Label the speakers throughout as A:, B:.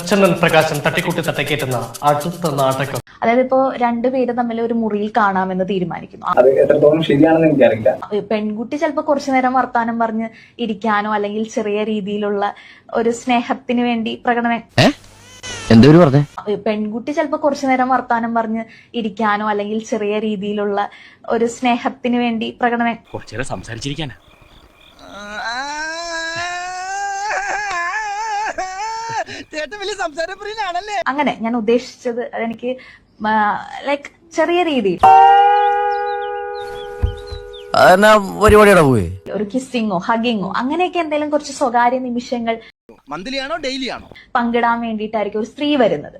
A: ചന്ദൻ പ്രകാശൻ തട്ടിക്കൂട്ടി തട്ടക്കേറ്റുന്ന അടുത്ത നാടകം.
B: അതായത് ഇപ്പോ രണ്ടുപേര് തമ്മിൽ ഒരു മുറിയിൽ കാണാമെന്ന് തീരുമാനിക്കുന്നു.
C: അത് എത്രത്തോളം ശരിയാണെന്ന് എനിക്കറിയില്ല.
B: പെൺകുട്ടി ചിലപ്പോ കുറച്ചു നേരം വർത്താനം പറഞ്ഞ് ഇരിക്കാനോ അല്ലെങ്കിൽ ചെറിയ രീതിയിലുള്ള ഒരു സ്നേഹത്തിന് വേണ്ടി പെൺകുട്ടി ചിലപ്പോ കുറച്ചു നേരം വർത്താനം പറഞ്ഞ് ഇരിക്കാനോ അല്ലെങ്കിൽ ചെറിയ രീതിയിലുള്ള ഒരു സ്നേഹത്തിന് വേണ്ടി
D: കുറച്ചേരം സംസാരിച്ചിരിക്കാനാ.
B: അങ്ങനെ ഞാൻ ഉദ്ദേശിച്ചത് അതെനിക്ക് ലൈക്ക് ചെറിയ രീതിയിൽ ഒരു കിസ്സിങ്ങോ ഹഗിങ്ങോ അങ്ങനെയൊക്കെ എന്തെങ്കിലും കുറച്ച് സ്വകാര്യ നിമിഷങ്ങൾ പങ്കിടാൻ വേണ്ടിയിട്ടായിരിക്കും ഒരു സ്ത്രീ വരുന്നത്.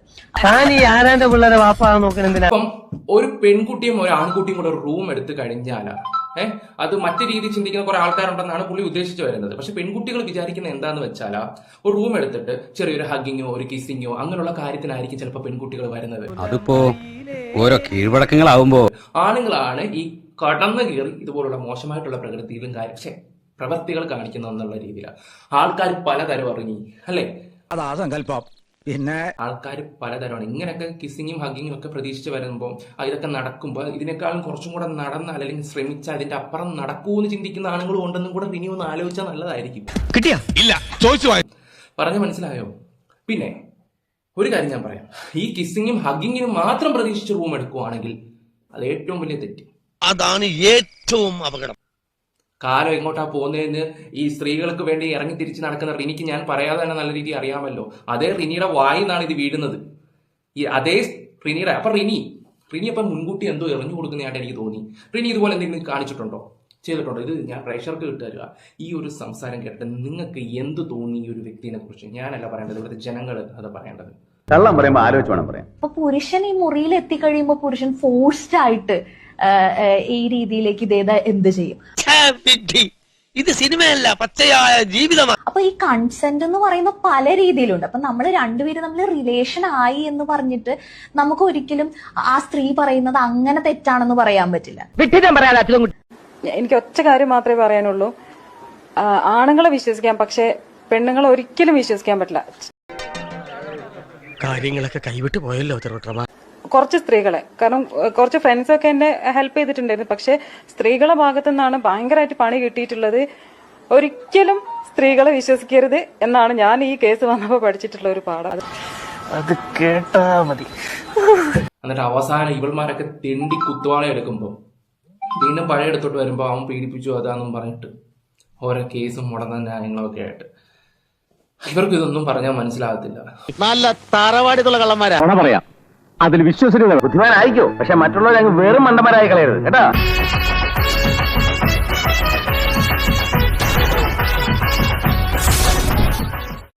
E: അപ്പം ഒരു പെൺകുട്ടിയും ഒരു ആൺകുട്ടിയും കൂടെ ഒരു റൂം എടുത്ത് കഴിഞ്ഞാലാ അത് മറ്റു രീതിയിൽ ചിന്തിക്കുന്ന കുറെ ആൾക്കാരുണ്ടെന്നാണ് പുള്ളി ഉദ്ദേശിച്ചു വരുന്നത്. പക്ഷെ പെൺകുട്ടികൾ വിചാരിക്കുന്നത് എന്താന്ന് വെച്ചാൽ ഒരു റൂം എടുത്തിട്ട് ചെറിയൊരു ഹഗ്ഗിങ്ങോ ഒരു കിസ്സിങ്ങോ അങ്ങനെയുള്ള കാര്യത്തിനായിരിക്കും ചിലപ്പോൾ പെൺകുട്ടികൾ വരുന്നത്.
F: അതിപ്പോ ഓരോ കീഴ്വഴക്കങ്ങളാവുമ്പോ
E: ആണുങ്ങളാണ് ഈ കടന്നു കയറി ഇതുപോലുള്ള മോശമായിട്ടുള്ള പ്രകൃതിയിലും പ്രവൃത്തികൾ കാണിക്കുന്ന എന്നുള്ള രീതിയിലാണ് ആൾക്കാർ പലതരം ഇറങ്ങി അല്ലേ.
F: അതാ സങ്കല്പം. പിന്നെ
E: ആൾക്കാർ പലതരമാണ് ഇങ്ങനെയൊക്കെ കിസ്സിങ്ങും ഹഗ്ഗിങ്ങും ഒക്കെ പ്രതീക്ഷിച്ച് വരുമ്പോൾ ഇതൊക്കെ നടക്കുമ്പോൾ ഇതിനേക്കാളും കുറച്ചും കൂടെ നടന്നാൽ അല്ലെങ്കിൽ ശ്രമിച്ചാൽ അതിന്റെ അപ്പുറം നടക്കൂന്ന് ചിന്തിക്കുന്ന ആണുങ്ങളും ഉണ്ടെന്നും കൂടെ ഇനി ഒന്ന് ആലോചിച്ചാൽ നല്ലതായിരിക്കും.
F: കിട്ടിയാ ഇല്ല ചോദിച്ചു
E: പറഞ്ഞു മനസ്സിലായോ? പിന്നെ ഒരു കാര്യം ഞാൻ പറയാം, ഈ കിസ്സിങ്ങും ഹഗ്ഗിങ്ങിനും മാത്രം പ്രതീക്ഷിച്ച് റൂം എടുക്കുവാണെങ്കിൽ അത് ഏറ്റവും വലിയ തെറ്റ്.
G: അതാണ് ഏറ്റവും അപകടം.
E: കാലം എങ്ങോട്ടാ പോകുന്നതെന്ന് ഈ സ്ത്രീകൾക്ക് വേണ്ടി ഇറങ്ങി തിരിച്ച് നടക്കുന്ന റിനിക്ക് ഞാൻ പറയാതെ തന്നെ നല്ല രീതിയിൽ അറിയാമല്ലോ. അതേ റിനിയുടെ വായിന്നാണ് ഇത് വീഴുന്നത്. ഈ അതേ റിനിയുടെ അപ്പൊ റിനി അപ്പം മുൻകൂട്ടി എന്തോ എറിഞ്ഞു കൊടുക്കുന്നതായിട്ട് എനിക്ക് തോന്നി. റിനി ഇതുപോലെ എന്തെങ്കിലും കാണിച്ചിട്ടുണ്ടോ, ചെയ്തിട്ടുണ്ടോ? ഇത് ഞാൻ പ്രേക്ഷകർക്ക് കിട്ടുക. ഈ ഒരു സംസാരം കേട്ടിട്ട് നിങ്ങൾക്ക് എന്ത് തോന്നി ഈ ഒരു വ്യക്തിനെ കുറിച്ച്? ഞാനല്ല പറയേണ്ടത്, ഇവിടുത്തെ ജനങ്ങൾ അത് പറയേണ്ടത്.
C: കള്ളം പറയുമ്പോ ആലോചിച്ച് വേണം പറയാം.
B: അപ്പൊ പുരുഷൻ ഈ മുറിയിൽ എത്തിക്കഴിയുമ്പോ പുരുഷൻ ഫോഴ്സ്ഡ് ആയിട്ട് ഈ രീതിയിലേക്ക് ഇതേതാ എന്ത് ചെയ്യും?
G: ഇത് സിനിമയല്ല, പച്ചയായ ജീവിതമാണ്.
B: അപ്പൊ ഈ കൺസെന്റ് എന്ന് പറയുന്ന പല രീതിയിലുണ്ട്. അപ്പൊ നമ്മൾ രണ്ടുപേരും തമ്മിൽ റിലേഷൻ ആയി എന്ന് പറഞ്ഞിട്ട് നമുക്ക് ഒരിക്കലും ആ സ്ത്രീ പറയുന്നത് അങ്ങനെ തെറ്റാണെന്ന് പറയാൻ പറ്റില്ല.
H: എനിക്ക് ഒറ്റ കാര്യം മാത്രമേ പറയാനുള്ളൂ, ആണുങ്ങളെ വിശ്വസിക്കാം, പക്ഷെ പെണ്ണുങ്ങളെ ഒരിക്കലും വിശ്വസിക്കാൻ പറ്റില്ല.
D: കാര്യങ്ങളൊക്കെ കൈവിട്ട് പോയല്ലോ തിരുവട്ടമ.
H: കുറച്ച് സ്ത്രീകളെ, കാരണം കുറച്ച് ഫ്രണ്ട്സൊക്കെ എന്നെ ഹെൽപ്പ് ചെയ്തിട്ടുണ്ടായിരുന്നു, പക്ഷെ സ്ത്രീകളെ ഭാഗത്തു നിന്നാണ് ഭയങ്കരമായിട്ട് പണി കിട്ടിയിട്ടുള്ളത്. ഒരിക്കലും സ്ത്രീകളെ വിശ്വസിക്കരുത് എന്നാണ് ഞാൻ ഈ കേസ് വന്നപ്പോൾ പഠിച്ചിട്ടുള്ള ഒരു പാഠം.
A: അത് കേട്ടാ മതി.
E: എന്നിട്ട് അവസാനം ഇവൾമാരൊക്കെ തെണ്ടി കുത്തുവാള എടുക്കുമ്പോ വീണ്ടും പഴയ എടുത്തോട്ട് വരുമ്പോ അവൻ പീഡിപ്പിച്ചു അതാന്നും പറഞ്ഞിട്ട് ഓരോ കേസും മുടന്ന ന്യായങ്ങളൊക്കെ ആയിട്ട് ഇവർക്ക് ഇതൊന്നും പറഞ്ഞാൽ മനസ്സിലാകത്തില്ല.
G: നല്ല തറവാടിത്തുള്ള കള്ളന്മാരാ
C: പറയാം. അതിൽ വിശ്വസിക്കുന്നത് ബുദ്ധിമാനായിരിക്കോ, പക്ഷെ മറ്റുള്ളവരെ അങ്ങ് വെറും മണ്ടന്മാരായി കളയരുത് കേട്ടാ.